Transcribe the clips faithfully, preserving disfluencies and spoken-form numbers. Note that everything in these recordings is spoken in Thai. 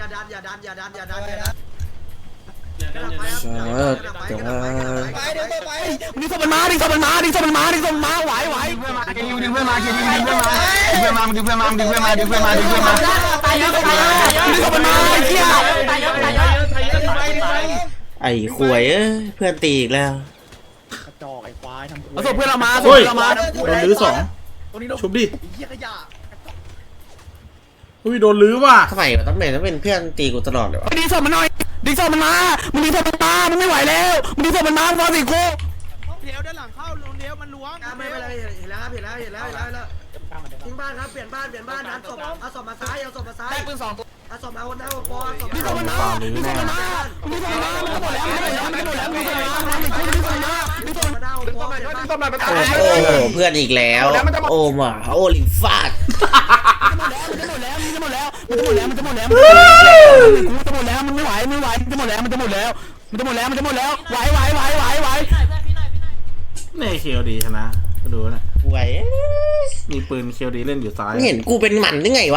อย่าดันอย่าดันอย่าดันอย่าดันอย่าดันเออเดี๋ยวว่าดึงศพมันมาดึงศพมันมาดึงศพมันมาดึงศพมันมาไหวไหวดึงเพื่อนมาดึงเพื่อนมาดึงเพื่อนมาดึงเพื่อนมาดึงเพื่อนมาดึงเพื่อนมาดึงเพื่อนมาดึงเพื่อนมาตายเยอะตายเยอะดึงศพมันมาไอ้เหี้ยตายเยอะตายเยอะตายเยอะตายเยอะไอ้ขวยเอ้ยเพื่อนตีอีกแล้วกระจอกไอ้ควายทำเอาศพเพื่อนเรามาศพเพื่อนเรามาโดนลื้อสองชุบดิอุ้ยโดนลื้อว่ะทำไมต้องเป็นต้องเป็นเพื่อนตีกูตลอดเลยวะดึงศพมันหน่อยดึงศพมันมามึงดึงศพมันมามึงไม่ไหวแล้วมึงดึงศพมันมาฟอสิกูเดี๋ยวด้านหลังเข้าลงเดี๋ยวมันล้วงไม่เป็นไรเห็นแล้วครับเห็นแล้วเห็นแล้วเห็นแล้วแล้วทิ้งบ้านครับเปลี่ยนบ้านเปลี่ยนบ้านนั้นศพเอาศพมาซ้ายเอาศพมาซ้ายได้ปืนสองตัวเอาศพมาคนหน้าคนฟอเอาศพมาคนหน้าดึงศพมันมาดึงศพมันมาดึงศพมันมาดึงศพมันมาดึงศพมันมาดึงศพมันมาดึงศพมันมาดึงศพมันมาโอ้โหเพื่อนอีกแล้วโอ้มาโอลิมฟาดมันจะหมดแล้วมันจะหมดแล้วมันจะหมดแล้วมันจะหมดแล้วมันจะหมดแล้วมันจะหมดแล้วมันไม่ไหวไม่ไหวมันจะหมดแล้วมันจะหมดแล้วมันจะหมดแล้วมันจะหมดแล้วไหวไหวไหวไหวไหวนี่เคียวดีชนะก็ดูนะไหวมีปืนเคียวดีเล่นอยู่ซ้ายเห็นกูเป็นหมันได้ไงวะ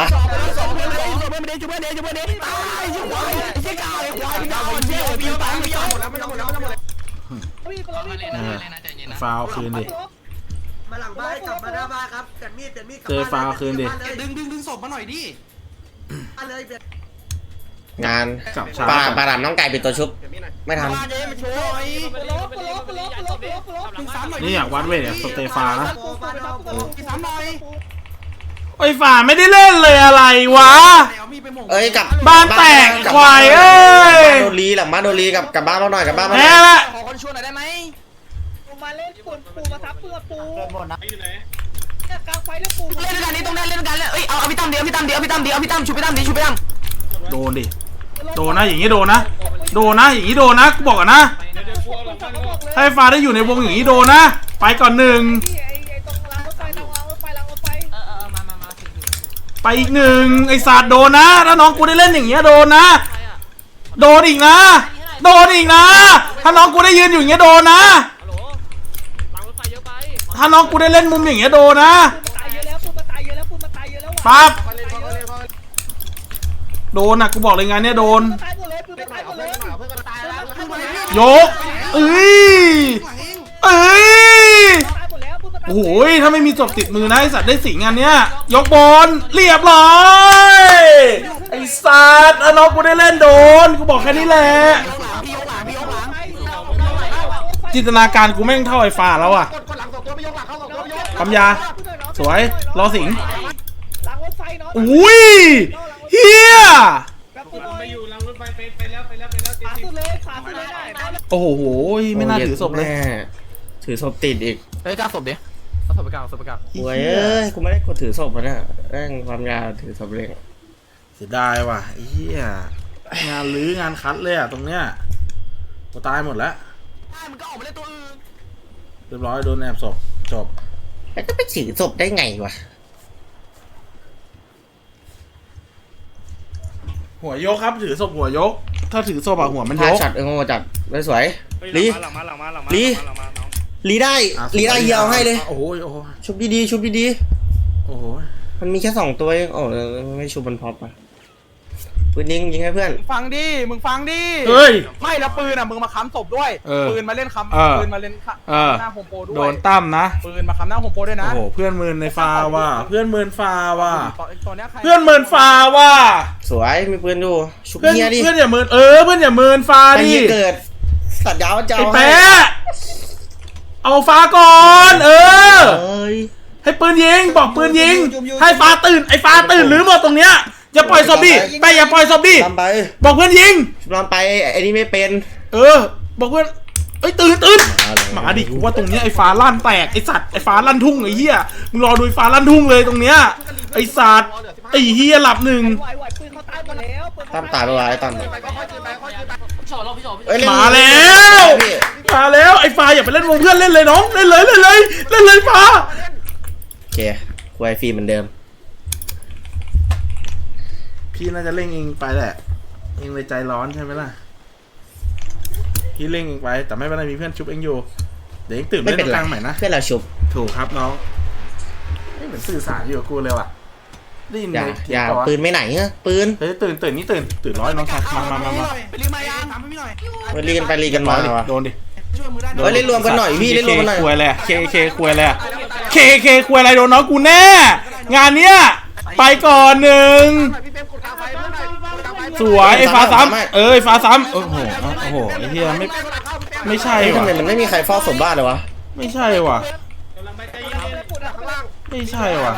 ฟาวคืนดิมาหลังบ้านกลับมาหน้าบ้านครับเปลี่ยนมีดเปลี่ยนมีดเจอฟาวคืนดิดึงดึงดึงศพมาหน่อยดิอะไรเปลี่ยนงานปลาปลาดำน้องไก่เป็นตัวชุบไม่ทำนี่อยากวัดเวทเนี่ยสเตฟานะไอ้ฝ่าไม่ได้เล่นเลยอะไรวะเอ้ยกับบ้านแตกควายเอ้ยโดรีหลังบ้านโดรีกับกับบ้านมาหน่อยกับบ้านมาแพ้ละขอคนชวนหน่อยได้ไหมปูมาเล่นปูปูมาทับเพื่อปูกลางไฟแล้วปูเล่นกันนี้ต้องเล่นเล่นกันเลยเอ้ยเอาเอาพี่ตั้มเดียวพี่ตั้มเดียวพี่ตั้มเดียวพี่ตั้มชุบพี่ตั้มดิชุบพี่ตั้มโดนดิโดนนะอย่างนี้โดนนะโดนนะอย่างนี้โดนนะกูบอกก่อนนะถ้าไอ้ฟ้าได้อยู่ในวงอย่างนี้โดนนะไปก่อนหนึ่งไปอีกหนึ่งไอ้ศาสตร์โดนนะถ้าน้องกูได้เล่นอย่างเงี้ยโดนนะโดนอีกนะโดนอีกนะถ้าน้องกูได้ยืนอยู่อย่างเงี้ยโดนนะถ้าน้องกูได้เล่นมุมอย่างเงี้ยโดนนะปั๊บโดนนะกูบอกเลยงานเนี้ยโดนยกเอ้ยเอ้ยโอ้โหถ้าไม่มีศพติดมือนะไอสัตว์ได้สิงานเนี้ยยกบอลเรียบร้อยไอสัตว์น้องกูได้เล่นโดนกูบอกแค่นี้แหละจินตนาการกูแม่งเท่าไอ้ฟ้าแล้วอ่ะปั๊มยาสวยรอสิงอุ้ยเฮียโอ้โหไม่น่าถือศพเลยถือศพติดอีกเฮ้ยกล้าศพดิเอาศพไปกลางศพไปกลางโอ้ยเอ้ยกูไม่ได้กดถือศพมาเนี่ยแม่งความยาวถือศพเล็กเสียดายว่ะเฮียงานลื้องานคัดเลยอ่ะตรงเนี้ยกูตายหมดแล้วเรียบร้อยโดนแอบศพจบแล้วจะไปถือศพได้ไงวะหัวยกครับถือศพหัวยกถ้าถือศพอะหัวมันยกจัดเออจัดไม่สวยลีลีลีได้ลีได้เฮียเอาให้เลยโอ้โหโอ้โหชุบดีๆชุบดีๆโอ้โหมันมีแค่สองตัวเองโอ้ไม่ชุบมันพอปะปืนยิงยิงให้เพื่อนฟังดิมึงฟังดิเฮ้ยไม่แล้วปืนอ่ะมึงมาค้ำศพด้วยปืนมาเล่นค้ำปืนมาเล่นหน้าโฮมโปรด้วยโดนตั้มนะปืนมาค้ำหน้าโฮมโปรด้วยนะโอ้โหเพื่อนเมินในฟาว่ะเพื่อนเมินฟาว่ะเพื่อนเมินฟาว่ะสวยมีปืนดูชุบเฮียดิเพื่อนอย่าเมินเออเพื่อนอย่าเมินฟาดิเกิดสัตว์ยาวเจ้าไอ้แปะเอาฟ้าก่อนเออให้ปืนยิงบอกปืนยิงให้ฟ้าตื่นไอ้ฟ้าตื่นหรือหมดตรงเนี้ยอย่าปล่อยซอมบี้ไปอย่าปล่อยซอมบี้บอกเพื่อนยิงลองไปไอ้นี่ไม่เป็นเออบอกเพื่อนเอ้ยตื่นตื่นหมาดิกูว่าตรงเนี้ยไอ้ฟ้าลั่นแตกไอ้สัตว์ไอ้ฟ้าลั่นทุ่งไอ้เหี้ยมึงรอดูไอ้ฟ้าลั่นทุ่งเลยตรงเนี้ยไอ้สัตว์ไอ้เหี้ยหลับหนึ่งตั้มตายไปวะไอ้ตั้มมาแล้วมาแล้วไอ้ฟ้าอย่าไปเล่นวงเพื่อนเล่นเลยน้องเล่นเลยเล่นเลยเล่นเลยฟ้าโอเคกูไอฟีเหมือนเดิมพี่น่าจะเล่งเองไปแหละเองเลยใจร้อนใช่ไหมล่ะพี่เล่งเองไปแต่ไม่เป็นไรมีเพื่อนชุบเองอยู่เดี๋ยวเองตื่นเล่นกลางใหม่นะเพื่อนเราชุบถูกครับน้องไม่เหมือนสื่อสารอยู่กับกูเลยว่ะได้ยินอย่าเลยอย่าเสีงปืนไม่ไหนเงี้ยปืนเฮ้ยตื่นตื่นนี่ตื่นตื่นร้อยน้องชายมามามามาไปรีมายังทำให้พี่หน่อยมารีกันไปรีกันมาดิวะโดนดิช่วยมือได้เฮ้ยเล่นรวมกันหน่อยพี่เล่นรวมกันหน่อยเคคุยอะไรเคเคคุยอะไรเคเคคุยอะไรโดนน้องกูแน่ งานเนี้ยไปก่อนหนึ่งพี่เป๊ปกดกลางไฟเพื่อนหน่อยกดกลางไฟสวยไอ้ฟ้าซ้ำเอ้ยฟ้าซ้ำโอ้โหโอ้โหไอ้เหี้ยไม่ไม่ใช่เฮ้ยทำว่ะไมมันไม่มีใครเฝ้าสมบ้านเลยวะไม่ใช่ว่ะไม่ใช่ว่ะ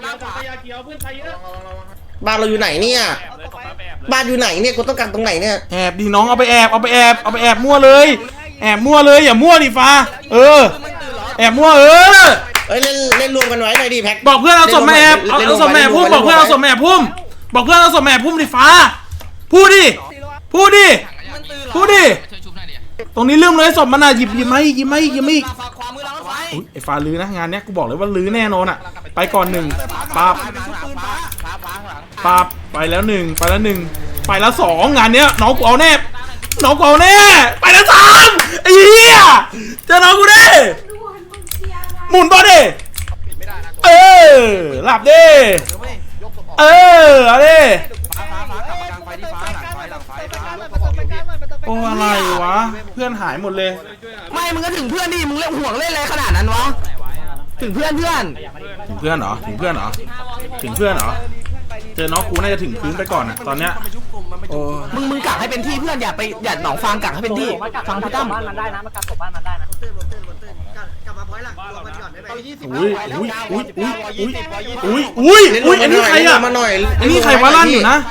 บ้านเราอยู่ไหนเนี่ยบ้านอยู่ไหนเนี่ยกูต้องการตรงไหนเนี่ยแอบดิน้องเอาไปแอบเอาไปแอบเอาไปแอบมั่วเลย แอบมั่วเลยอย่ามั่วดิฟ้าเออแอบมั่วเออเอ้ยเล่นเล่นรวมกันไว้หน่อยดิแพ็คบอกเพื่อนเอาศพมาแอบเอาเอาศพมาแอบพุ่มบอกเพื่อนเอาศพมาแอบพุ่มบอกเพื่อนเอาศพมาแอบพุ่มดิฟ้าพูดดิพูดดิพูดดิตรงนี้ลืมเลยศพมันอ่ะหยิบหยิบมาอีกหยิบมาอีกหยิบมาอีกขวามือเราไฟอุ๊ยไอ้ฟ้าลื้อนะงานเนี้ยกูบอกเลยว่าลื้อแน่นอนอ่ะไปก่อนหนึ่งปับปืนฟ้าฟ้าฟ้าข้างหลังปับไปแล้วหนึ่งไปแล้วหนึ่งไปแล้วสองงานเนี้ยน้องกูเอาแน่น้องกูเอาแน่ไปแล้วสามไอ้เหี้ยเจอน้องกูดิหมุนต่อดิเออหลับดิเออเอาดิฟ้าฟ้าฟ้ากลับมากลางไฟที่ฟ้าหลังไฟหลังไฟฟ้าโอ้อะไรวะเพื่อนหายหมดเลยไม่มึงก็ถึงเพื่อนดิมึงเล่นห่วงเล่นอะไรขนาดนั้นวะถึงเพื่อนเพื่อนถึงเพื่อนเหรอถึงเพื่อนเหรอถึงเพื่อนเหรอเจอน้องกูน่าจะถึงพื้นไปก่อนอ่ะตอนเนี้ยโอ้มึงมึงกักให้เป็นที่เพื่อนอย่าไปอย่าหนองฟางกักให้เป็นที่ฟังพี่ตั้มบ้านมันได้นะมันการตบบ้านมันได้นะตื่นตื่นตื่นกลับมาพอยหลังรวมกันก่อนได้ไหมอุ้ยอุ้ยอุ้ยอุ้ยอุ้ยอุ้ยอุ้ยอุ้ยอันนี้ใครอ่ะมาหน่อยอันนี้ใครวะลั่นอยู่นะ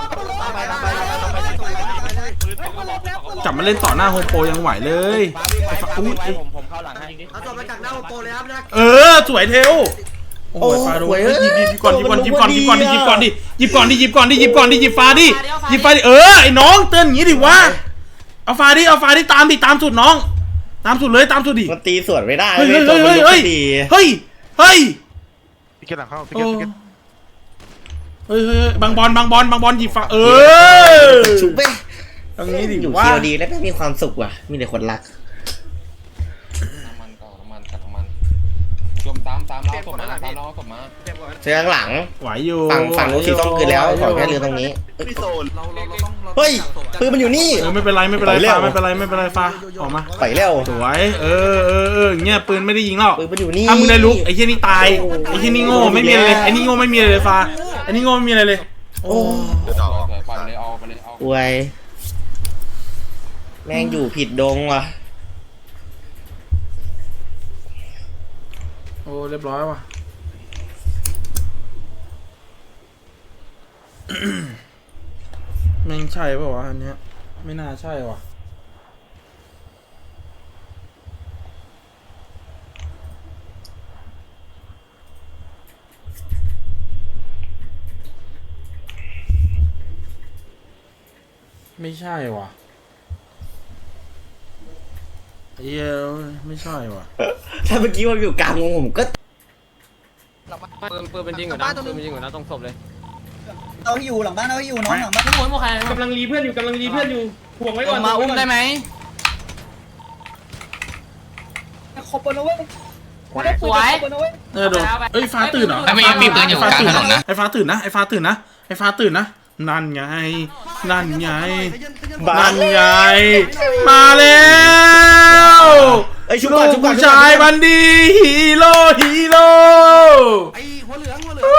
จับมาเล่นต่อหน้าโฮมโปรยังไหวเลยไอ้ฟ้าอุ้ยผมผมเข้าหลังให้เอาศพมาจากหน้าโอโปเลยครับนะเออสวยเทลโอ้ยฟ้าดูหยิบหยิบก่อนหยิบก่อนหยิบก่อนหยิบก่อนดิหยิบก่อนดิหยิบก่อนดิหยิบก่อนดิหยิบก่อนดิหยิบฟ้าดิหยิบฟ้าดิเออไอ้น้องเตือนอย่างนี้ดิวะเอาฟ้าดิเอาฟ้าดิตามดิตามสุดน้อง ตามสุดเลยตามสุดดิมันตีสวนไม่ได้เฮ้ยเว้เฮ้ยยตัวเฮ้มันยยกเฮ้ยไม่ดีเฮ้ยเฮ้ยพี่เกตหลังเข้าพี่โอ้เกตพี่เกตเฮ้ยเฮ้ยบางบอลบางบอลบางบอลหยิบฟ้าเออชุบไปตรงนี้ดิอยู่ว่าเคียวดีแล้วไม่มีความสุขว่ะมีแต่คนรักน้ำมันก่อนน้ำมันกับน้ำมันรวมตามตามเราศพมาตามเราศพมาเสียงหลังไหวอยู่ฝั่งฝั่งนู้นสีส้มคืนแล้วขอแค่เรือตรงนี้พี่โซนเราเราเราต้องเฮ้ยปืนมันอยู่นี่เออไม่เป็นไรไม่เป็นไรไปเร็วฟ้าไม่เป็นไรไม่เป็นไรฟ้าออกมาไปเร็วสวยเออเออเอออย่างเงี้ยปืนไม่ได้ยิงหรอกปืนมันอยู่นี่ถ้ามึงได้ลุกไอ้เหี้ยนี่ตายไอ้เหี้ยนี่โง่ไม่มีอะไรเลยไอ้นี่โง่ไม่มีอะไรเลยฟ้าไอ้นี่โง่ไม่มีอะไรเลยโอ้เดี๋ยวเอาปล่อยไปเลยเอาไปเลยเอาอวยแม่งอยู่ผิดดงว่ะโอ้เรียบร้อยว่ะ แม่งใช่ป่าววะอันเนี้ยไม่น่าใช่ว่ะไม่ใช่ว่ะเอ้ยไม่ใช่ว่ะถ้าเมื่อกี้มันอยู่กลางวงผมก็ปืนปืนเป็นจริงเหรอนะปืนเป็นจริงเหรอนะตรงศพเลยเอาให้อยู่หลังบ้านเอาให้อยู่น้องหลังบ้านกำลังรีเพื่อนอยู่กำลังรีเพื่อนอยู่ห่วงไว้ก่อนมาอุ้มได้ไหมขบบนเอาไว้สวยเออโดนเอ้ยฟ้าตื่นเหรอไม่มีปืนอยู่กลางถนนนะไอ้ฟ้าตื่นนะไอ้ฟ้าตื่นนะไอ้ฟ้าตื่นนะนั่นไงนั่นไงบ้านั่นนไงมาแล้วไอ้ยชุบลูก่อนกชุบก่อนผู้ชุบก่ชาอนยบันดีฮีโร่ฮีโร่ไอ้หัวเหลืองหัวเหลื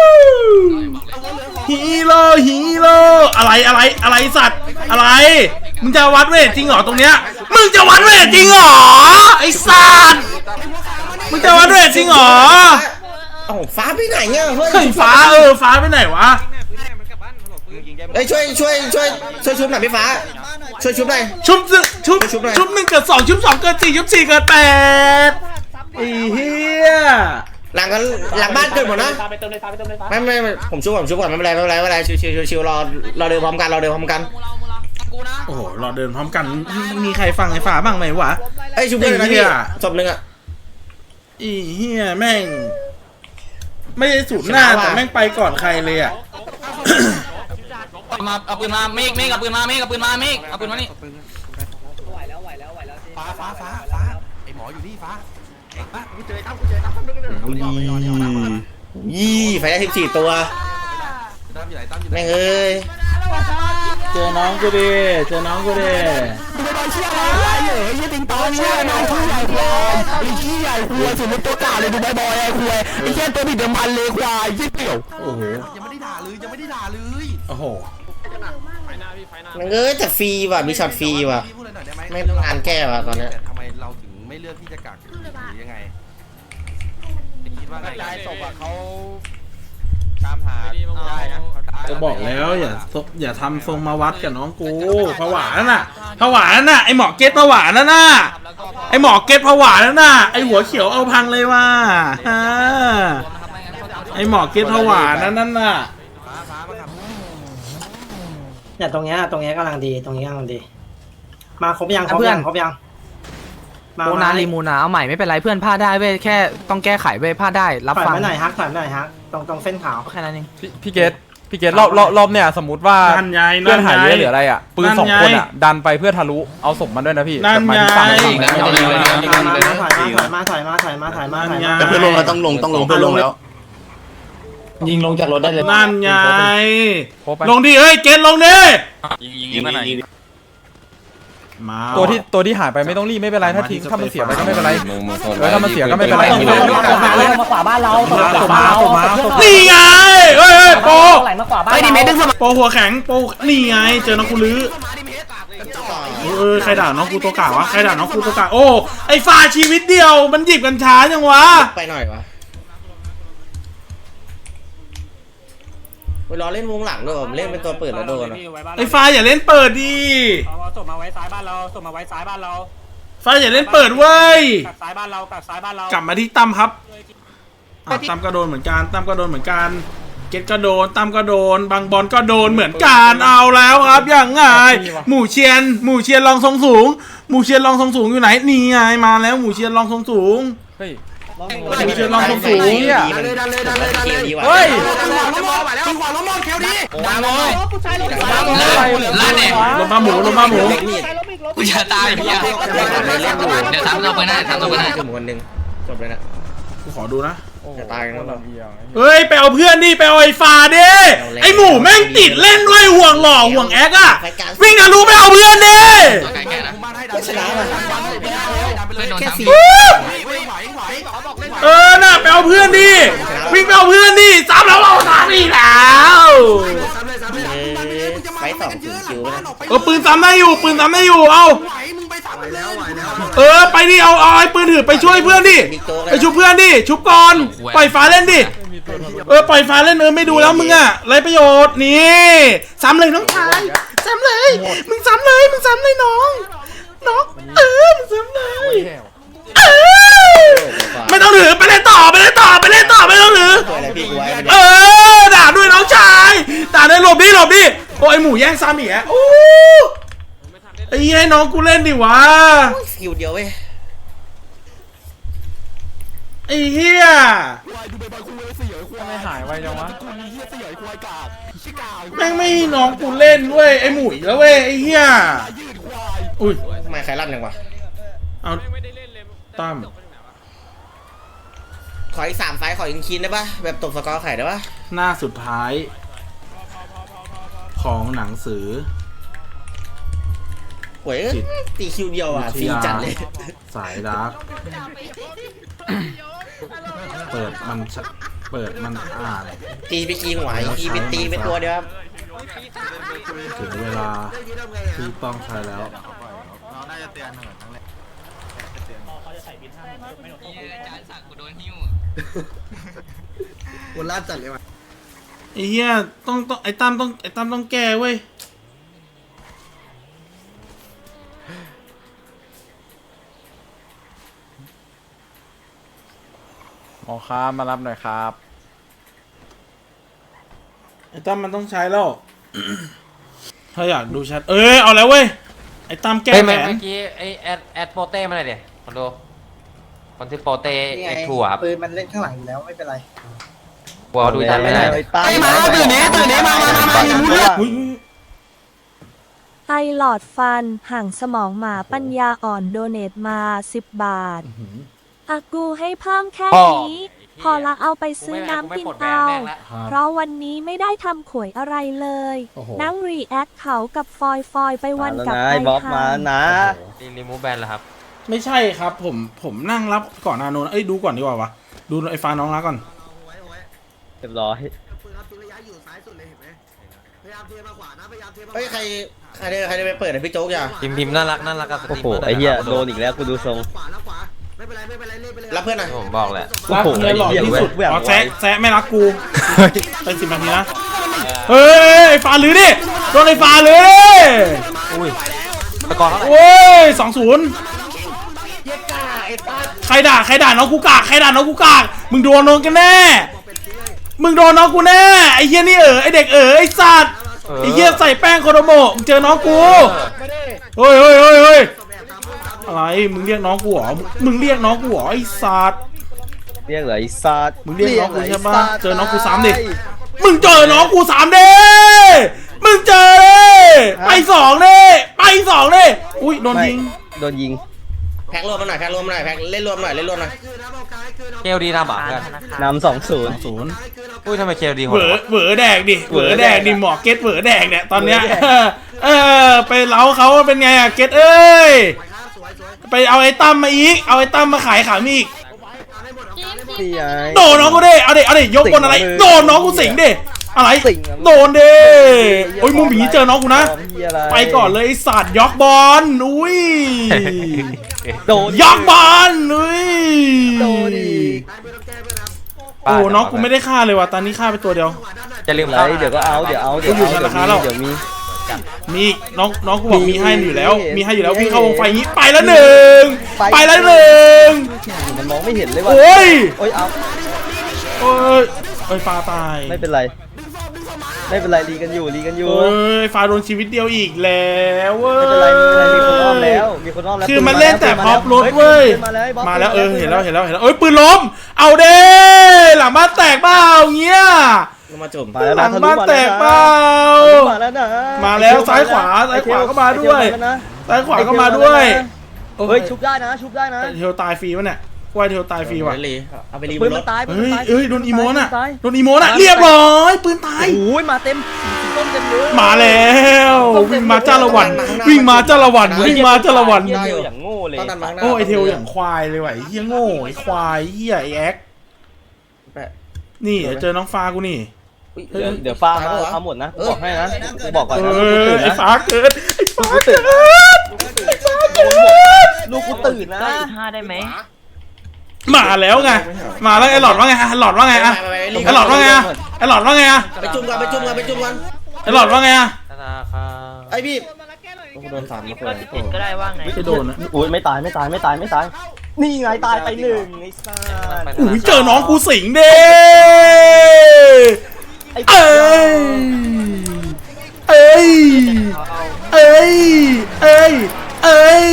องฮีโร่ฮีโร่อะไรอะไรอะไรสัตว์อะไรมึงจะวัดเวทจริงเหรอตรงเนี้ยมึงจะวัดเวทจริงเหรอไอ้สัตว์มึงจะวัดเวทจริงเหรอเอ้าฟ้าไปไหนเนี่ยเฮ้ยเฮ้ยฟ้าเออฟ้าไปไหนวะเอ้ยช่วยช่วยช่วยช่วยชุบหน่อยพี่ฟ้าช่วยชุบหน่อยชุบหนึ่งชุบชุบหน่อยชุบหนึ่งเกิดสองชุบสองเกิดสี่ชุบสี่เกิดแปดไอ้เหี้ยหลังกันหลังบ้านเกิดหมดนะไม่ไม่ไม่ผมชุบผมชุบก่อนไม่เป็นไรไม่เป็นไรไม่เป็นไรชิวชิวชิวชิวรอรอเดินพร้อมกันรอเดินพร้อมกันกูนะโอ้โหเราเดินพร้อมกันมีใครฟังไอ้ฟ้าบ้างไหมวะเอ้ยชุบเพื่อนนะไอ้เหี้พี่ยศพหนึ่งอ่ะไอ้เหี้ยแม่ง ไม่ได้สูตรหน้าชนะว่ะแต่แม่งไปก่อนใครเลยอ่ะมาเอาปืนมาเมฆเมฆเอาปืนมาเมฆเอาปืนมาเมฆเอาปืนมานี่ไหวแล้วไหวแล้วไหวแล้วฟ้าฟ้าฟ้าฟ้าไอหมออยู่นี่ฟ้ายี่ไฟได้สิบสี่ตัวไอยู่ไหนตั้มอยู่ไหนแม่งเอ้ยเจอน้องกูดิเจอน้องกูดิดูไปบอลเชี่ยอะไรเหรอยี่ติงตองเชี่ยน้องผู้ใหญ่ควายไอ้ขี้ใหญ่ควายสมมติตัวกาเลยดูใบบอยไอ้ควายไอ้แค่ตัวผิดเดิมพันเลยควายยี่เปี่ยวโอ้โหยังไม่ได้ด่าเลยยังไม่ได้ด่าเลยโอ้โหไฟหน้าพี่ไฟหน้าแม่งเอ้ยแต่ฟรีว่ะมีช็อตฟรีว่ะพี่พูดอะไรหน่อยได้ไหมไม่ต้องอ่านแก้ว่ะตอนเนี้ยทำไมเราถึงไม่เลือกที่จะกักหรือยังไงคิดว่าไงยายศพอ่ะเขาตามหาได้นะจะบอกแล้วอย่าอย่าทำทรงมาวัดกับน้องกูผวานั่นน่ะผวานั่นน่ะไอหมอเก็ตผวานั่นน่ะไอหมอเก็ตผวานั่นน่ะไอหัวเขียวเอาพังเลยว่ะฮะไอหมอเก็ตผวานั่นนั่นน่ะเนี่ยตรงเนี้ยตรงเนี้ยกำลังดีตรงนี้กำลังดี มาครบยังครบยังครบยังมาโมนาลีมูนาเอาใหม่ไม่เป็นไรเพื่อนพลาดได้เว้ยแค่ต้องแก้ไขเว้ยพลาดได้รับถอยฟังมาหน่อยฮักถอยมาหน่อยฮักตรงตรงเส้นขาวแค่นั้นเองพี่พี่เกตพี่เกตรอบรอบรอบเนี่ยสมมติว่านั่นไงเพื่อนหายเยอะหนั่นไงรืออะไรอ่ะปืนสองคนอ่ะดันไปเพื่อทะลุเอาศพมันด้วยนะพี่นั่นแบบหมายถึงฝั่งไงฝั่งนั้นถอยมาถอยมาถอยมาถอยมาถอยมาถอยมาถอยมาแต่เพื่อนลงเราต้องลงต้องลงเพื่อนลงแล้วยิงลงจากรถได้เลยนั่นไงโครบไปลงดิเฮ้ยเกณฑ์ลงดิยิงยิงยิงมาหน่อยมาตัวที่ตัวที่หายไปไม่ต้องรีบไม่เป็นไรถ้าทิ้งถ้ามันเสียไปก็ไม่เป็นไรมึงมึงโซนแล้วถ้ามันเสียก็ไม่เป็นไรมาขวาบ้านเราตกขวาเรานี่ไงเฮ้ยเฮ้ยโปไหลมาขวาบ้านไอ้ดิเมทดึงสมโปหัวแข็งโปนี่ไงเจอน้องกูลื้อเออใครด่าน้องกูตัวกาวะใครด่าน้องกูตัวกาโอ้ไอ้ฟ้าชีวิตเดียวมันหยิบกันช้าจังวะไปหน่อยวะเวลาเล่นวงหลังด้วยผมเล่นเป็นตัวเปิดแล้วโดนอะไอ้ฟ้าอย่าเล่นเปิดดิเอาส่งมาไว้ซ้ายบ้านเราส่งมาไว้ซ้ายบ้านเราฟ้าอย่าเล่นเปิดเว้ยกักซ้ายบ้านเรากักซ้ายบ้านเรากลับมาที่ตั้มครับอ่ะตั้มก็โดนเหมือนกันตั้มก็โดนเหมือนกันเกตก็โดนตั้มก็โดนบางบอลก็โดนเหมือนกันเอาแล้วครับอย่างไงหมู่เชียนหมู่เชียนรองทรงสูงหมู่เชียนรองทรงสูงอยู่ไหนนี่ไงมาแล้วหมู่เชียนรองทรงสูงเฮ้ยหมู่เชียนรองทรงสูงดันเลยดันเลยดันเลยดันเลยเฮ้ยตีขวาล้มมองแคลดีวางเลยลาดแดงลงมาหมูลงมาหมูกูจะตายพี่เดี๋ยวทำเราไปหน้าทำเราไปหน้าคือหมูคนหนึ่งจบเลยนะกูขอดูนะจะตายกันแล้วเฮ้ยไปเอาเพื่อนดิไปเอาไอ้ฟ้าดิไอ้หมูแม่งติดเล่นด้วยห่วงหล่อห่วงแอ๊กอะวิ่งทะลุไปเอาเพื่อนดิชนะมันแค่สี่เออน่ะไปเอาเพื่อนดิวิ่งไปเอาเพื่อนดิซ้ำแล้วเอาซ้ำอีกแล้วไปต่อถึงคิวนะเออปืนซ้ำได้อยู่ปืนซ้ำได้อยู่เอาไหวมึงไปสามเลยแล้วไหวแล้วเออไปดิเอาเอาไอ้ปืนถือไปช่วยเพื่อนดิไปชุบเพื่อนดิชุบก่อนปล่อยฟ้าเล่นดิเออปล่อยฟ้าเล่นเออไม่ดูแล้วมึงอะไรประโยชน์นี่ซ้ำเลยน้องชายซ้ำเลยมึงซ้ำเลยมึงซ้ำเลยน้องน้องเออมึงซ้ำเลยเออไม่ต้องถือไปเล่นต่อไปเล่นต่อไปเล่นต่อไม่ต้องถืออะไรพี่กูไว้เออด่าด้วยน้องชายด่าด้วยหลบดิหลบดิโอ้ยหมูแย่งซ้ำอีกอ่ะโอ้ไอ้เหี้ยให้น้องกูเล่นดิวะสกิลเดียวเว้ยไอ้เหี้ยไม่หายไวจังวะแม่งไม่ให้น้องกูเล่นเว้ยไอ้หมูอีกแล้วเว้ยไอ้เหี้ยอุ้ยทำไมใครลั่นยังวะเอาตั้มขออีกสามไฟขออีกคินได้ปะแบบตบสกอร์ไข่ได้ปะหน้าสุดท้าย ของหนังสือหวยตีคิวเดียวอ่ะฟรีจัดเลยสายดาร์กเปิดมันเปิดมันอ่านตีไปกีหัวอีกไปตีไปตัวเดียวครับถึงเวลาที่ต้องใช้แล้วคนลาดจัดเลยว่ะไอ้เหี้ยต้องต้องไอ้ตั้มต้องไอ้ตั้มต้องแก้เว้ยหมอครับมารับหน่อยครับไอ้ตั้มมันต้องใช้แล้ว ถ้าอยากดูแชทเอ้ยเอาแล้วเว้ยไอ้ตั้มแก้เฮ้ยแผเมื่อน กี้ไอแอดแอดโปเต้มาหน่อยเดี๋ยวคนดูคนที่โปเต้ไอถั่วปืนมันเล่นข้างหลังอยู่แล้วไม่เป็นไรหัวดูจำไม่ได้ไอ้มาตื่นเนี้ตื่นเนี้มามามามาอุ้ยไอหลอดฟันห่างสมองหมาปัญญาอ่อนโดเนทมาสิบบาทอากูให้เพิ่มแค่นี้พอละเอาไปซื้อน้ำกินเอา เพราะวันนี้ไม่ได้ทำขวยอะไรเลยโอ้โหนั่งรีแอคเขากับฟอยฟอยไปวันกับไอบ๊อบค่ะมานะรีรีมูฟแบนแล้วครับไม่ใช่ครับผมผมนั่งรับก่อนนาโนนเอ้ยดูก่อนดีกว่าวะดูไอ้ฟ้าน้องรักก่อนเรียบร้อยปืนครับทิ้งระยะอยู่ซ้ายสุดเลยเห็นไหมพยายามเทมาขวานะพยายามเทมาขวาเฮ้ยใครใครได้ใครได้ไปเปิดให้พี่โจ๊กอย่าพิมพ์พิมพ์น่ารักน่ารักกับสตโอ้รีมโหเมอร์ไอ้เหี้ยโดนอีกแล้วกูดูทรงขวาแล้วขวาไม่เป็นไรไม่เป็นไรเล่นไปเลยรับเพื่อนหน่อยผมบอกแหละรักเงินหล่อที่สุดเว้ยอ๋อแซะแซะไม่รักกูไปสิบนาทีนะเฮ้ยไอ้ฟ้าหรือดิโดนไอ้ฟ้าเลยอุ้ยตะกอนเท่าไหร่โอ้ยสองศูนย์ใครด่าใครด่าน้องกูกากใครด่าน้องกูกากมึงโดนน้องกันแน่มึงโดนน้องกูแน่ไอ้เหี้ยนี่เออไอ้เด็กเออไอ้สัตว์ไอ้เหี้ยใส่แป้งโคโดโมะมึงเจอน้องกูเฮ้ยเฮ้ยเฮ้ยเฮ้ยอะไรมึงเรียกน้องกูเหรอมึงเรียกน้องกูเหรอไอ้สัตว์เรียกเหรอไอ้สัตว์มึงเรียกน้องกูใช่ปะเจอน้องกูสามดิมึงเจอน้องกูสามดิมึงเจอเลยไปสองดิไปสองดิอุ้ยโดนยิงโดนยิงแพ็กรวมมาหน่อยแพ็กรวมมาหน่อยแพ็กเล่นรวมหน่อยเล่นรวมหน่อยเคลดีทำอ่ะเพื่อนนำสองศูนย์ศูนย์อุ้ยทำไมเคลดีโหเหวดอวะเหวอแดกดิเหวอแดกดิหมอเก็ตเหวอแดกเนี่ยตอนเนี้ยเออไปเล้าเขาเป็นไงอะเก็ตเอ้ยไปเอาไอ้ตั้มมาอีกเอาไอ้ตั้มมาขายขายมีอีกพี่ไอ้โดนน้องกูดิเอาดิเอาดิยกบนอะไรโดนน้องกูสิงดิอะไรโดนดิโอ้ยมุมหมีเจอน้องกูนะไปก่อนเลยไอ้สัตว์ยอกบอลอุ้ยโดนยอกบอลอุ้ยโดนอีกโอ้น้องกูไม่ได้ฆ่าเลยว่ะตอนนี้ฆ่าไปตัวเดียวจะลืมไรเข้าเดี๋ยวก็เอาเดี๋ยวเอาเดี๋ยวกูอยู่เอาธนาคารแล้วเดี๋ยวมีมีน้องน้องกูบอกมีมีให้อยู่แล้วมีมีให้อยู่แล้วมีวิ่งเข้าวงไฟให้อย่างงี้ไปแล้วหนึ่งไปไปแล้วหนึ่งมันมองไม่เห็นเลยว่ะโอ้ยโอ้ยเอาโอ้ยเอ้ยฟ้าตายไม่เป็นไร ไม่เป็นไรรีกันอยู่รีกันอยู่เอ้ยฟ้าโดนชีวิตเดียวอีกแล้วเว้ยไม่เป็นไรไม่เป็นไรมีคนอ้อมแล้วมีคนอ้อมแล้วคือมันเล่นแต่พร็อพรถเว้ยมาแล้วมาแล้วเออเห็นแล้วเห็นแล้วเห็นแล้วเอ้ยปืนล้มเอาเด้หลังบ้านแตกเปล่าเงี้ยลงมาจุ่มมาแล้วหลันะงบ้านแตกเปล่ามาแล้วนะมาแล้วซ้ายขวาซ้ายขวาก็มาด้วย ซ้ายขวาก็มาด้วยเฮ้ยชุบได้นะชุบได้นะเทลตายฟรีวะเนี่ยว่าเทลตายฟรีว่ะเลยเอาไปรีบปืนนรมันถตายเฮ้ยเอ้ยโดนอีโมน่ะตายโดนอีโมน่ะเรียบร้อยปืนตายโอ้ยมาเต็มสีต้นเต็มเลยมาแล้ววิ่งมาจ้าละวันวิ่งมาจ้าละวันวิ่งมาจ้าละวันเหี้ยเดียวอย่างโง่เลยต้องดันมาข้างหน้าโอ้ไอเทลอย่างควายเลยว่ะไอ้เฮียโง่ไอควายเฮียไอแอ็กนี่เดี๋ยวเจอน้องฟ้ากูนี่เดี๋ยวเดี๋ยวฟ้าเขาเอาหมดนะกูบอกให้นะกูบอกก่อนเอนะอไอฟ้าเกิดไอฟ้าเกิดลูกกูตื่นนะห้าได้ไหมมาแล้วไงมาแล้วไอหลอดว่าไงอะหลอดว่าไงอะไอหลอดว่าไงอะไอหลอดว่าไงอะไปจุ่มกันไปจุ่มกันไปจุ่มกันไอหลอดว่าไงอะธนาคารไอพี่โดนสามมาเปิดก็ได้ว่าไงไม่โดนนะอุ้ยไม่ตายไม่ตายไม่ตายไม่ตายนี่ไงตายไปหนึ่งไอ้ซ่าอุ้ยเจอน้องกูสิงเด้ไอ้เอ้ยเอ้ยเอ้ยเอ้ยเอ้ย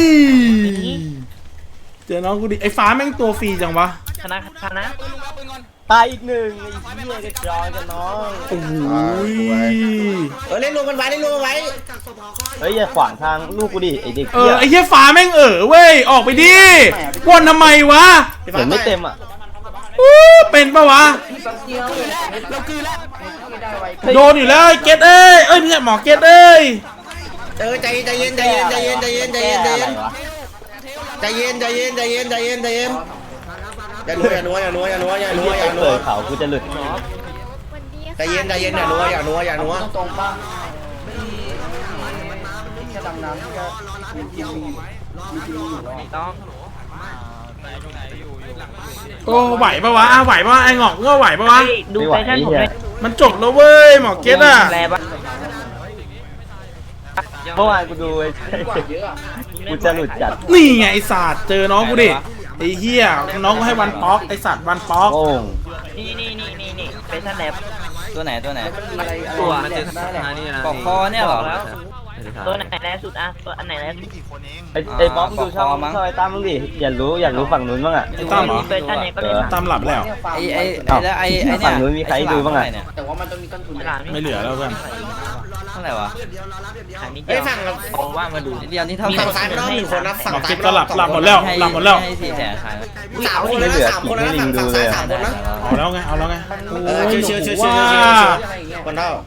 เจอน้องกูดิไอ้ฟ้าแม่งตัวฟรีจังวะคณะคณะตายอีกหนึ่งไอ้เหี้ยกระจอยกันน้องโอ้ยเออเล่นรวมกันไว้เล่นรวมกันไว้เฮ้ยอย่าขวางทางลูกกูดิไอ้เด็กเอเหี้อย ไอ้เหี้ยฟ้าแม่งเออเว้ยออกไปดิวนทำไมวะเห็นไม่เต็มอ่ะอู้เป็นปะวะโดนอยู่แล้วไอ้เกตเอ้ยเอ้ยไม่ใช่หมอเกตเอ้ยเออใจใจเย็นใจเย็นใจเย็นใจเย็นใจเย็นใจเย็นใจเย็นใจเย็นใจเย็นใจเย็นใจเย็นอย่านัวอย่านัวอย่านัวอย่านัวอย่านัวอย่านัเปิวดเขากูจะหลุดใจเย็นใจเย็นอย่านัวอย่านัวอย่านัวต้องโอ้ไหวปะวะอ่ะไหวปะวะไอ้หงอกก็ไหวปะวะดูแฟชั่นผมเลยมันจบแล้วเว้ยหมอเกตอ่ะแปลปะเมื่อวานกูดูไอ้กูจะหลุดจัดนี่ไงไอ้สัตว์เจอน้องกูดิไอ้เหี้ยน้องกูให้วันป๊อกไอ้สัตว์วันป๊อกโอ้งนี่นี่นี่นี่นี่แฟชั่นแลบตัวไหนตัวไหนตัวมันเจอธนาคารนี่นะปอกคอเนี่ยเหรอแล้วตัวไหนแรกสุดอ่ะตัวอันไหนแรกสุดไอ้ไอ้บ๊อบดูช่องช่องไอ้ตั้มมึงดิอยากรู้อยากรู้ฝั่งนู้นบ้างอ่ะไอ้ตั้มเหรอแฟชั่นเนี่ยก็ได้ตั้มหลับแล้วไอไอไอแล้วไอไอเนี่ยฝั่งนู้นมีใครดูบ้างอ่ะหลานไม่เหลือแล้วเพื่อนไเท่าไหร่วะเดียวรอรับเดียวเฮ้ยฝั่งผมว่ามาดูเดียวนี่เท่าฝั่งซ้ายไม่ต้องหนึ่งคนนะฝั่งบอกซ้าเก็ยบก็หลับหลับหมดแล้วหลับหมดแล้วให้สี่แสนขายสามคนนะสามคนนะฝั่งฝั่งซ้ายสามคนนะเอาแล้วไงเอาแล้วไงเออเชื่อเชื่อเชื่อเชื่อว่าเชื่อเชื่อคนเท่า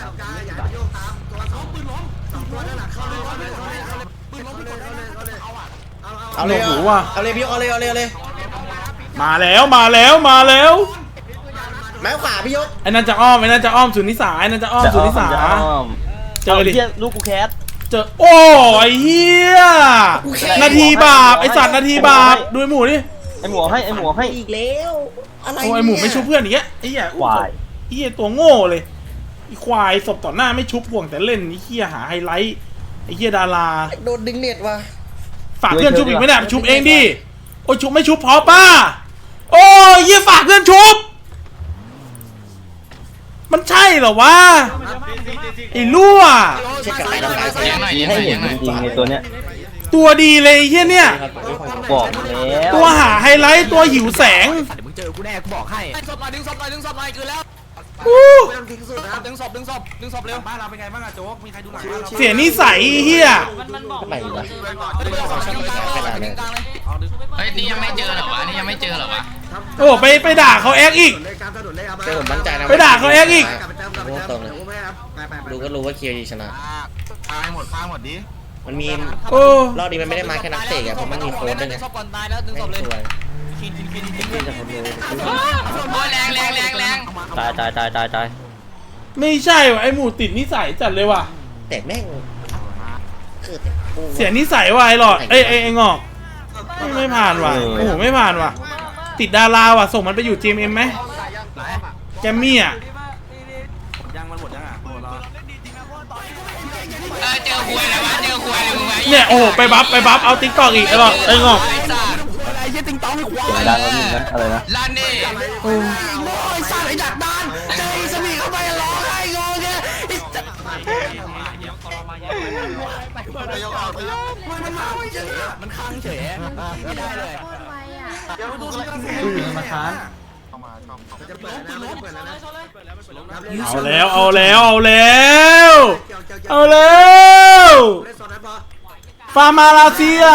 เอาเลยหูว่ะเอาเลยพี่เอาเลยเอาเลยเอาเลยมาแล้วมาแล้วมาแล้วไม้ขวาพี่ยกไอ้นั่นจะอ้อมไอ้นั่นจะอ้อมสุนิสาไอ้นั่นจะอ้อมสุนิสาเจอดิลูกกูแคสเจอโอ้ยเฮียนาทีบาปไอสัตว์นาทีบาปดูไอหมูดิไอหมูให้ไอหมูให้อีกแล้วอะไรโอ้ไอหมูไม่ชุบเพื่อนอย่างเงี้ยไอ้เหี้ยควายไอ้เหี้ยตัวโง่เลยไอควายศพต่อหน้าไม่ชุบห่วงแต่เล่นไอ้เหี้ยหาไฮไลท์ไอ้เหี้ยดาราโดนดึงเน็ตว่ะฝากเพื่อนชุบอีกไหมเนี่ยชุบเองดิโอ้ยชุบไม่ชุบพอป้าโอ้ยเหี้ยฝากเพื่อนชุบมันใช่เหรอวะไอ้รั่วเช็คกับใครต้องการให้เห็นจริงๆในตัวเนี้ยตัวดีเลยไอ้เหี้ยเนี่ยบอกแล้วตัวหาไฮไลท์ตัวหิวแสงมึงเจอกูแน่กูบอกให้ดึงศพหน่อยดึงศพหน่อยดึงศพหน่อยคือแล้วอู้ดึงศพดึงศพดึงศพเร็วบ้านเราเป็นไงบ้างอะโจ๊กมีใครดูหลังบ้านเราเสียนิสัยไอ้เหี้ยทำไมวะเฮ้ยนี่ยังไม่เจอเหรอวะนี่ยังไม่เจอเหรอวะโอ้ไปไปด่าเขาแอคอีกเจอผมมั่นใจนะไปด่าเขาแอ๊กอีกดูก็รู้ว่าเคียวดีชนะตายหมดตายหมดดิมันมีโอ้รอบนี้มันไม่ได้มาแค่นักเตะอะเพราะมันมีโค้ดด้วยไงดึงศพก่อนตายแล้วดึงศพเลยสวยโอ้ยแรงแรงแรงแรงตายตายตายตายตายไม่ใช่ว่ะไอหมูติดนิสัยจัดเลยว่ะแต่แม่งเสียนิสัยว่ะไอหลอดเอ้ยไอไองอกไม่ไม่ผ่านว่ะโอ้โหไม่ผ่านว่ะติดดาราว่ะส่งมันไปอยู่ จี เอ็ม เอ็ม ไหมแกมมี่อ่ะยังมันหมดยังอ่ะโอ้รอเออเจอหวยแล้ววะเจอหวยเลยมึงไงเนี่ยโอ้โหไปบัฟไปบัฟเอาติ๊กตอกอีกไอหลอดไองอกอะไรยี่ติงตองดังแล้วมึงนะอะไรนะลั่นนี่โอ้ยสร้างไอ้ดักดานเจอไอ้สมีเข้าไปร้องไห้งงเนี่ยมันมาไม่เฉยมันค้างเฉยไม่ได้เลยมาค้างเอาแล้วเอาแล้วเอาแล้วเอาแล้วฟาร์มาลาเซีย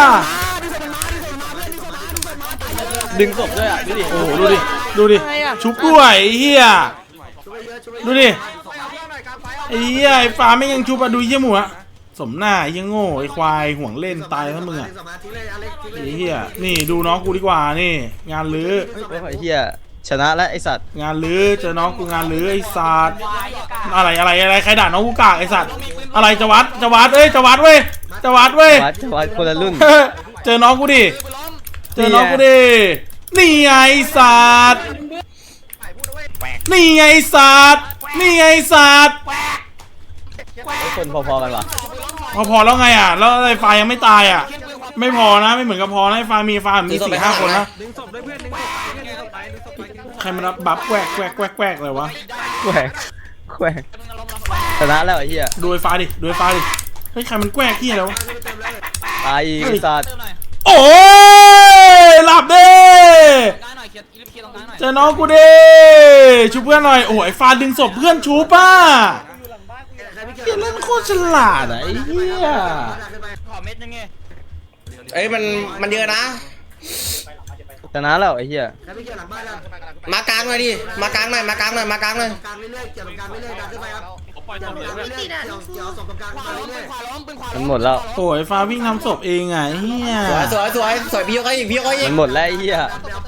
ดึงศพด้วยอ่ะดูดิโอ้โหดูดิดูดิชุบด้วยไอ้เหี้ยดูดิไอ้เหี้ยไอ้ฟาร์มไม่ยังชุบอะดูไอ้เหี้ยหมูอะสมหน้าไอ้เหี้ยโง่ไอ้ควายห่วงเล่นตายทั้งมึงอะไอ้เหี้ยนี่ดูน้องกูดีกว่านี่งานลื้อไอ้เหี้ยชนะแล้วไอ้สัตว์งานลื้อเจอน้องกูงานลื้อไอ้สัตว์อะไรอะไรอะไรใครด่าน้องกูกากไอ้สัตว์อะไรจะวัดจะวัดเอ้ยจะวัดเว้ยจะวัดเว้ยวัดวัดคนละรุ่นเจอน้องกูดิเจอน้องกูดินี่ไงไอ้สัตว์นี่ไงไอ้สัตว์นี่ไงไอ้สัตว์คนพอๆกันวะพอพอแล้วไงอ่ะแล้วไอ้ไฟยังไม่ตายอ่ะไม่พอนะไม่เหมือนกับพอนะไอ้ไฟมีไฟมีสี่ห้าคนนะใครมารับบัฟแกวกแกวกแกวกแกวกเลยวะแขวกแขวกชนะแล้วไอ้เหี้ยดูไอ้ไฟดิดูไอ้ไฟดิเฮ้ยใครมันแกวกที่อะไรวะตายอีกไอ้สัตว์โอ้ยหลับเด้เจอน้องกูดิชูเพื่อนหน่อยโอ้ยไอ้ฟาดึงศพเพื่อนชูป่ะเฮียเล่นโคตรฉลาดอะไอ้เหี้ยเอ้ยมันมันเยอะนะชนะแล้วไอ้เหี้ยมากลางหน่อยดิมากลางหน่อยมากลางหน่อยมากลางหน่อยมันหมดแล้วโอ้ยฟ้าวิ่งทำศพเองอ่ะไอ้เฮียสวยสวยสวยสวยพี่ยกให้อีกพี่ยกให้อีมักนหมดแล้วไอ้เหี้ย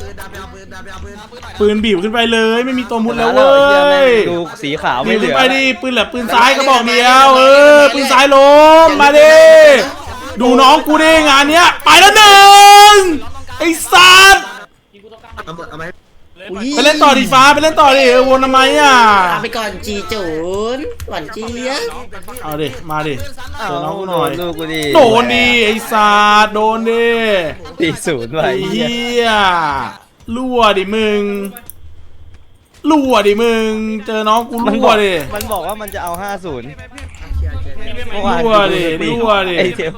ปืนบีบขึ้นไปเลยไม่มีตัวมุดแล้วชนะเว้ไอ้หี้แม่ยงดูสีขาวบีไม่บเหลืขึ้นอไปดิปืนแหลปืนซ้ายก็บอกเดียวเออปืนซ้ายล้มมาดิดูน้องกูดิงานเนี้ยไปแล้วหนึ่งไอ้สัตว์ไปเล่นต่อดิฟ้าไปเล่นต่อดิเออวนทำไมอ่ะเอาไปก่อนจีจูนหวานเจี๊ยบเอาดิมาดิเจอน้องกูหน่อยดูกูดิโดนดิไอ้สัตว์โดนดิตีศูนย์ว่ะไอ้ไอ้เหี้ยเหี้ยรั่วดิมึงรั่วดิมึงเจอน้องกูมันบรั่อวกดิมันบอกว่ามันจะเอาห้าศูนย์รั่วดิรั่วดิไอ้เทล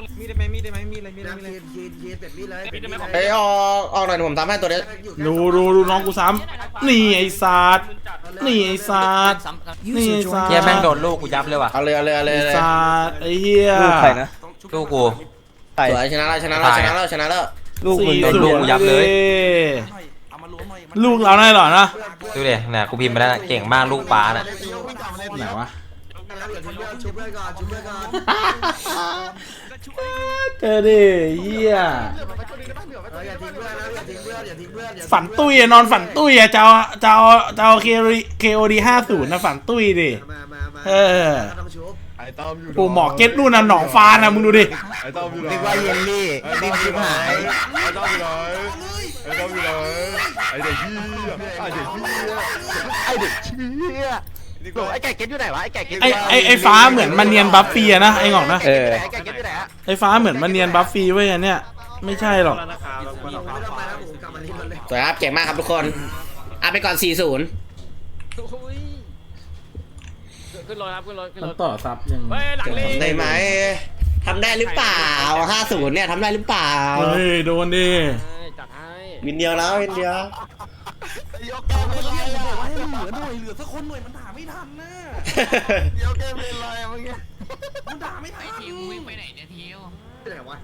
เอ้ยออกออกหน่อยผมทำให้ตัวนี้ดูดูดูน้องกูซ้ำนี่ไอ้สัตว์นี่ไอ้สัตว์นี่ไอ้สัตว์เฮียแม่งโดนลูกกูยับเลยว่ะเอาเลยเอาเลยเอาเลยไอ้เลยสัตว์ไอ้เฮียลูกใครนะลูกกูสวยชนะแล้วชนะแล้วชนะแล้วชนะแล้วลูกมึงโดนลูกยับเลยลูกเราได้หรอนะดูดิเนี่ยกูพิมพ์ไปแล้วนะเก่งมากลูกป้าน่ะไหนวะชุบเพื่อนก่อนชุบเพื่อนก่อนเจอดิเฮียอย่าทิ้งเพื่อนนะอย่าทิ้งเพื่อนอย่าทิ้งเพื่อนอย่าฝันตุ้ยอะนอนฝันตุ้ยอะจะเอาจะเอาจะเอาเคเคโอดีห้าศูนย์นะฝันตุ้ยดิมามามาเออต้องชุบไอ้ต้อมอยู่ปูหมอเก็ตนู่นน่ะหนองฟานนะมึงดูดิไอ้ต้อมอยู่ไหนนึกว่าเยลลี่รีบชิบหายไอ้ต้อมอยู่ไหนไอ้ต้อมอยู่ไหนไอ้เด็กขี้ไอ้เด็กขี้ไอเด็กเชี่ยไอไก่เก็ตอยู่ไหนวะไอไก่เก็ตไอไอไอฟ้าเหมือนมันเนียนบัฟฟี่อะนะไอหงอกนะเออไอไก่เก็ตอยู่ไหนอะไอฟ้าเหมือนมันเนียนบัฟฟี่เว้ยอันเนี้ยไม่ใช่หรอกไม่ต้องไปแล้วผมกลับมาที่รถเลยสวยครับเก่งมากครับทุกคนอ่ะไปก่อนสี่ศูนย์ขึ้นรถครับขึ้นรถขึ้นรมันถต่อซับยังได้ไหมทำได้หรือเปล่าห้าศูนย์เนี่ยทำได้หรือเปล่าเฮ้ยโดนดิจัดให้วินเดียวแล้ววินเดียวยกแกมเป็นไรอะบอกว่าให้เหลือหน่วยเหลือสักคนหน่วยมันด่าไม่ทันนะยกแกมเป็นไรอะเมื่อกี้มันด่าไม่ทันไปไหนวะ